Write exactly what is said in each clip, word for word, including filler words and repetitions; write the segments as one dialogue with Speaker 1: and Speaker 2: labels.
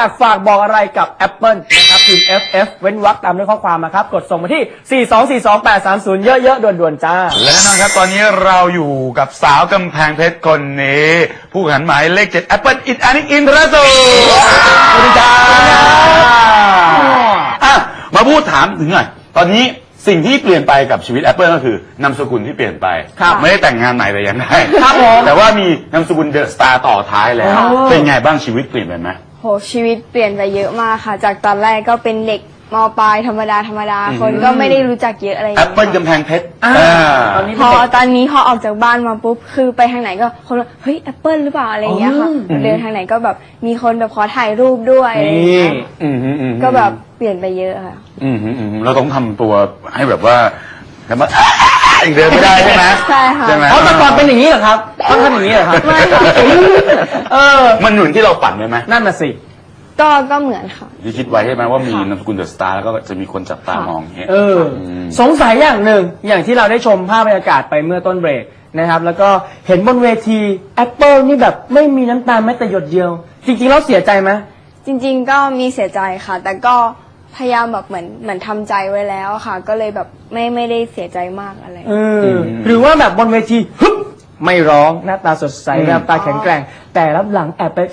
Speaker 1: ากฝากบอกอะไรกับ Apple นะครับพิมพ์ เอฟ เอฟ เว้นวรรคตามด้วยข้อความมาครับกดส่งมาที่ สี่ สอง สี่ สอง แปด สาม ศูนย์ เยอะๆด่วนๆจ้า
Speaker 2: และแน่นอนครับตอนนี้เราอยู่กับสาวกำแพงเพชรคนนี้ผู้แข่งขันหมายเลขเจ็ด Apple อินอานิกอินทรสูสวัสดีจ้าอ่ะมาพูดถามถึงหน่อยตอนนี้สิ่งที่เปลี่ยนไปกับชีวิต Apple ก็คือนามสกุลที่เปลี่ยนไปไม่ได้แต่งงานใหม่แต่ยังได้
Speaker 1: ครับผม
Speaker 2: แต่ว่ามีนามสกุลเดอะสตาร์ต่อท้ายแล้วเป็นไงบ้างชีวิตเปลี่ยนไปไหม
Speaker 3: โหชีวิตเปลี่ยนไปเยอะมากค่ะจากตอนแรกก็เป็นเด็กม.ปลายธรรมดาธรรมดาคนก็ไม่ได้รู้จักเยอะอะไรอย่างเงี้ย
Speaker 2: Apple กำแพงเพชร
Speaker 3: พอตอนนี้พอออกจากบ้านมาปุ๊บคือไปทางไหนก็คนว่าเฮ้ย Apple หรือเปล่าอะไรอย่างเงี้ยค่ะเดินทางไหนก็แบบมีคนแบบขอถ่ายรูปด้วยอะไรอย่างเงี้ยก็แบบเปลี่ยนไปเยอะค่ะ
Speaker 2: อืมอืมเราต้องทำตัวให้แบบว่าแล้วมาอีกเดินไม่ได้ใช่ไหม
Speaker 3: ใช่ค่ะ
Speaker 1: เพราะแต่ก่อนเป็นอย่างนี้เหรอครับต้องทำอย่างนี้เหรอครับ
Speaker 3: ไม่ค่ะ
Speaker 1: เออ
Speaker 2: มันเหมือนที่เราฝันไหม
Speaker 1: นั่นน่ะสิ
Speaker 3: ก็ก็เหมือนค่ะ
Speaker 2: ที่คิดไว้ใช่ไหมว่ามีนามสกุลเดอะสตาร์แล้วก็จะมีคนจับตามองอย่างเงี้ย
Speaker 1: เออสงสัยอย่างหนึ่งอย่างที่เราได้ชมภาพบรรยากาศไปเมื่อต้นเบรกนะครับแล้วก็เห็นบนเวที Apple นี่แบบไม่มีน้ำตาแม้แต่หยดเดียวจริงๆแล้วเสียใจไหม
Speaker 3: จริงๆก็มีเสียใจค่ะแต่ก็พยายามแบบเหมือนเหมือนทำใจไว้แล้วค่ะก็เลยแบบไม่ไม่ได้เสียใจมากอะไร
Speaker 1: เออหรือว่าแบบบนเวทีฮึบไม่ร้องหน้าตาสดใสหน้าตาแข็งแกร่งแต่รับหลังแอบไป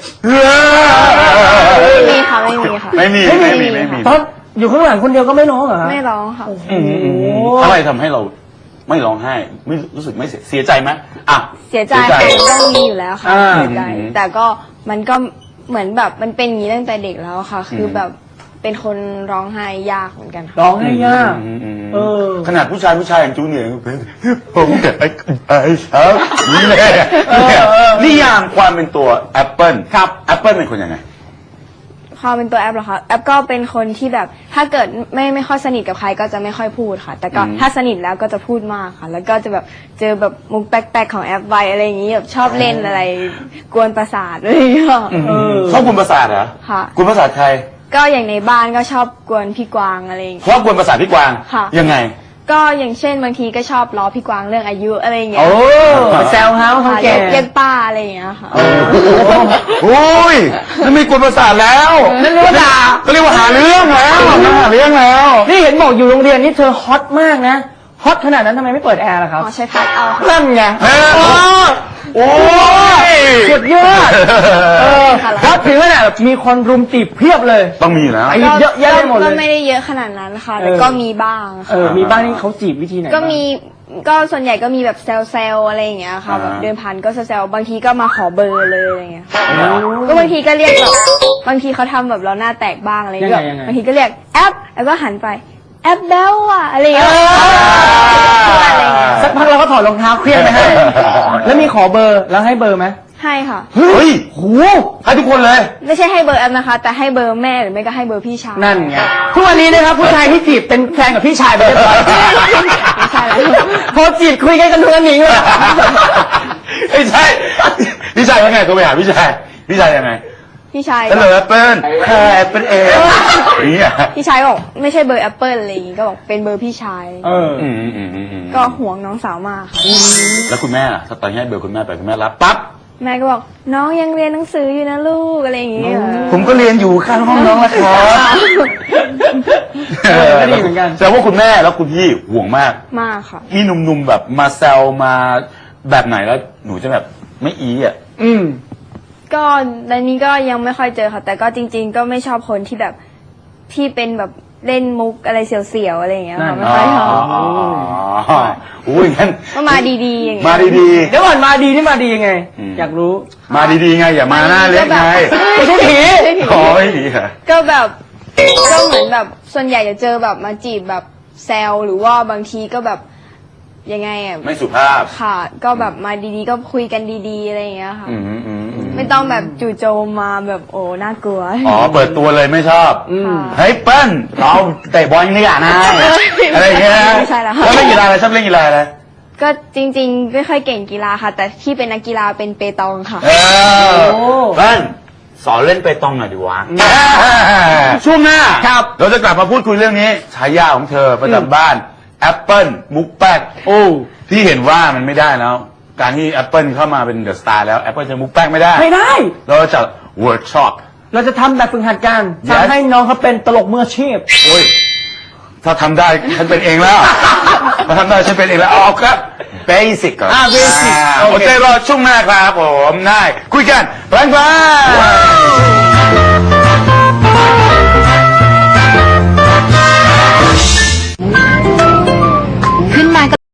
Speaker 3: ไม่มีค่ะไม่มีค่ะ
Speaker 2: ไม่มีไม่มีไม่มี
Speaker 1: ตอนอยู่ข้างหลังคนเดียวก็ไม่ร้องเหรอ
Speaker 3: ไม่ร้องค่ะ
Speaker 2: อะไรทำให้เราไม่ร้องไห้ไม่รู้สึกไม่เสียเสียใจไหมอ่ะ
Speaker 3: เสียใจต้องมีอยู่แล้วค่ะเสียใจแต่ก็มันก็เหมือนแบบมันเป็นอย่างนี้ตั้งแต่เด็กแล้วค่ะคือแบบเป็นคนร้องไห้ยากเหมือนกัน
Speaker 1: ร้องไห้ยาก
Speaker 2: เออขนาดผู้ชายผู้ชายอย่างจูเนียร์ผมเกิดไอ้ไอ้ครับนี่แหละนิยามความเป็นตัว Apple ครับ Apple เป็นคนยังไง
Speaker 3: ความเป็นตัวแอปเหรอคะแอปก็เป็นคนที่แบบถ้าเกิดไม่ไม่ค่อยสนิทกับใครก็จะไม่ค่อยพูดค่ะแต่ก็ถ้าสนิทแล้วก็จะพูดมากค่ะแล้วก็จะแบบเจอแบบมุกแป๊กๆของแอปไวอะไรอย่างนี้แบบชอบเล่นอะไรกวนประสาทอะไรอย่างเงี้ย
Speaker 2: ชอบกวนประสาทเหรอ
Speaker 3: ค่ะ
Speaker 2: กวนประสาทใคร
Speaker 3: ก็อย่างในบ้านก็ชอบกวนพี่กวางอะไรอย่างเงี้ย
Speaker 2: ชอบกวนประสาทพี่กวางยังไง
Speaker 3: ก็อย่างเช่นบางทีก็ชอบล้อพี่กวางเรื่องอายุอะไรอย่างเงี้ย
Speaker 1: โอ้แซวเฮาเขาแก่
Speaker 3: เรียกป้าอะไรอย่างเงี้ยค่ะ
Speaker 2: โอ้ยนั่นไม่กวนประสาทแล้ว
Speaker 1: นั่นเรียกว่าด่า
Speaker 2: ก็เรียกว่าหาเรื่องแล้วหาเรื่องแล้ว
Speaker 1: นี่เห็นบอกอยู่โรงเรียนนี่เธอฮอตมากนะฮอตขนาดนั้นทำไมไม่เปิดแอร์ล่ะครับ
Speaker 3: อ๋อใช้พัดเอา
Speaker 1: นั่นไงโอ้ยสุดยอดเออฮอตถึงขนาดมีคนรุมจีบเพียบเลย
Speaker 2: ต้องมีนะ
Speaker 1: เยอะแยะหมดเลย
Speaker 3: ก็ไม่ได้เยอะขนาดนั้นค่ะแต่ก็มีบ้าง
Speaker 1: เออมีบ้างนี่เขาจีบวิธีไหน
Speaker 3: ก็มีก็ส่วนใหญ่ก็มีแบบแซวๆอะไรอย่างเงี้ยค่ะแบบเดินผ่านก็แซวๆบางทีก็มาขอเบอร์เลยอะไรเงี้ยก็บางทีก็เรียกแบบบางทีเขาทำแบบเราหน้าแตกบ้างอะไรเงี้ยบางทีก็เรียกแอปแล้วก็หันไปแอปเบลอะอะไรอย่างเงี้ย
Speaker 1: สักพักเราก็ถอดรองเท้าเครียดไปให้แล้วมีขอเบอร์แล้วให้เบอร์ไหม
Speaker 3: ให้ค่ะ
Speaker 2: เฮ้ยโหให้ทุกคนเลย
Speaker 3: ไม่ใช่ให้เบอร์แอปนะคะแต่ให้เบอร์แม่หรือไม่ก็ให้เบอร์พี่ชาย
Speaker 1: นั่นไงทุกวันนี้นะครับผู้ชายที่จีบเป็นแฟนกับพี่ชายไปเรียบร้อย
Speaker 3: ไม่ใช่แล้ว
Speaker 1: พอจีบคุยกันกันทุกวันนี้เลย
Speaker 2: ไม่ใช่พี่ชายว่าไงตัวไปหาพี่ชายพี่ชายยังไง
Speaker 3: พี่ชาย
Speaker 2: ก็เลยแอปเปิ้ลแอปเปิ้ลเองอย่างเงี้ย
Speaker 3: พี่ชายบอกไม่ใช่เบอร์แอปเปิ้ลอะไรอย่างงี้ก็บอกเป็นเบอร์พี่ชาย
Speaker 1: เออ
Speaker 3: ก็ห่วงน้องสาวมาก
Speaker 2: แล้วคุณแม่ล่ะถ้าตอนนี้เบอร์คุณแม่ไปคุณแม่รับปั๊บ
Speaker 3: แม่ก็บอกน้องยังเรียนหนังสืออยู่นะลูกอะไรอย่างเงี้ย
Speaker 2: ผมก็เรียนอยู่ข้างห้องน้องแล้วครับ
Speaker 1: ก็ดีเหมือนกัน
Speaker 2: แต่ว่าคุณแม่แล้วคุณพี่ห่วงมาก
Speaker 3: มากค่ะ
Speaker 2: มีหนุ่มๆแบบมาแซวมาแบบไหนแล้วหนูจะแบบไม่อีอ่ะ
Speaker 1: อืม
Speaker 3: ก็ในนี้ก็ยังไม่ค่อยเจอค่ะแต่ก็จริงๆก็ไม่ชอบคนที่แบบที่เป็นแบบเล่นมุกอะไรเสียวๆอะไรอย่างเงี้ยค่ะไม่ค่อยชอบ
Speaker 2: อ๋ออุ้ยงั้น
Speaker 3: ก็มาดีๆอย่างเงี้ย
Speaker 2: มาดีๆ
Speaker 1: เดี๋ยวก่อนมาดีนี่มาดียังไงอยากรู้
Speaker 2: มาดีๆไงอย่ามาหน้าเล็กไง
Speaker 1: ไม่ใช่ผี
Speaker 2: อ๋อไม่ผีค่ะ
Speaker 3: ก็แบบก็เหมือนแบบส่วนใหญ่จะเจอแบบมาจีบแบบแซวหรือว่าบางทีก็แบบยังไงอ่ะ
Speaker 2: ไม่สุภาพ
Speaker 3: ค่ะก็แบบมาดีๆก็คุยกันดีๆอะไรอย่างเงี้ยค่ะไม่ต้องแบบจู่โจมมาแบบโอ้น่ากลัว
Speaker 2: อ๋อเปิดตัวเลยไม่ชอบเฮ้ยเปิ้ลเราเตะบอลนี่อ่ะนะอะไรอย่างเงี้ย
Speaker 3: ไม่ใช่แล้ว
Speaker 2: แล้วเล่นกีฬาอะไรชอบเล่นกีฬาอะไร
Speaker 3: ก็จริงๆไม่ค่อยเก่งกีฬาค่ะแต่ที่เป็นนักกีฬาเป็นเปตองค่ะ
Speaker 2: เออเปิ้ลสอนเล่นเปตองหน่อยดีวะช่วงหน้าครับเราจะกลับมาพูดคุยเรื่องนี้ฉายาของเธอประจำบ้านแอปเปิลมุกแป๊กโอ้ที่เห็นว่ามันไม่ได้แล้วการที่ Apple เข้ามาเป็นเดอะสตาร์แล้ว Apple จะมุกแป้งไม่ได้
Speaker 1: ไม่ได้
Speaker 2: เราจะเวิร์กช็อป
Speaker 1: เราจะทำแบบฝึกหัดกัน
Speaker 2: Yes
Speaker 1: ทำให้น้องเขาเป็นตลกมืออาชีพ
Speaker 2: โอ้ยถ้าทำได้ฉันเป็นเองแล้วถ้าทำได้ฉันเป็นเองแล้วเอาครับเบสิกก่อน
Speaker 1: อ่า basic โอเค
Speaker 2: โอเครอช่วงหน้าครับผมได้คุยกันแรงๆ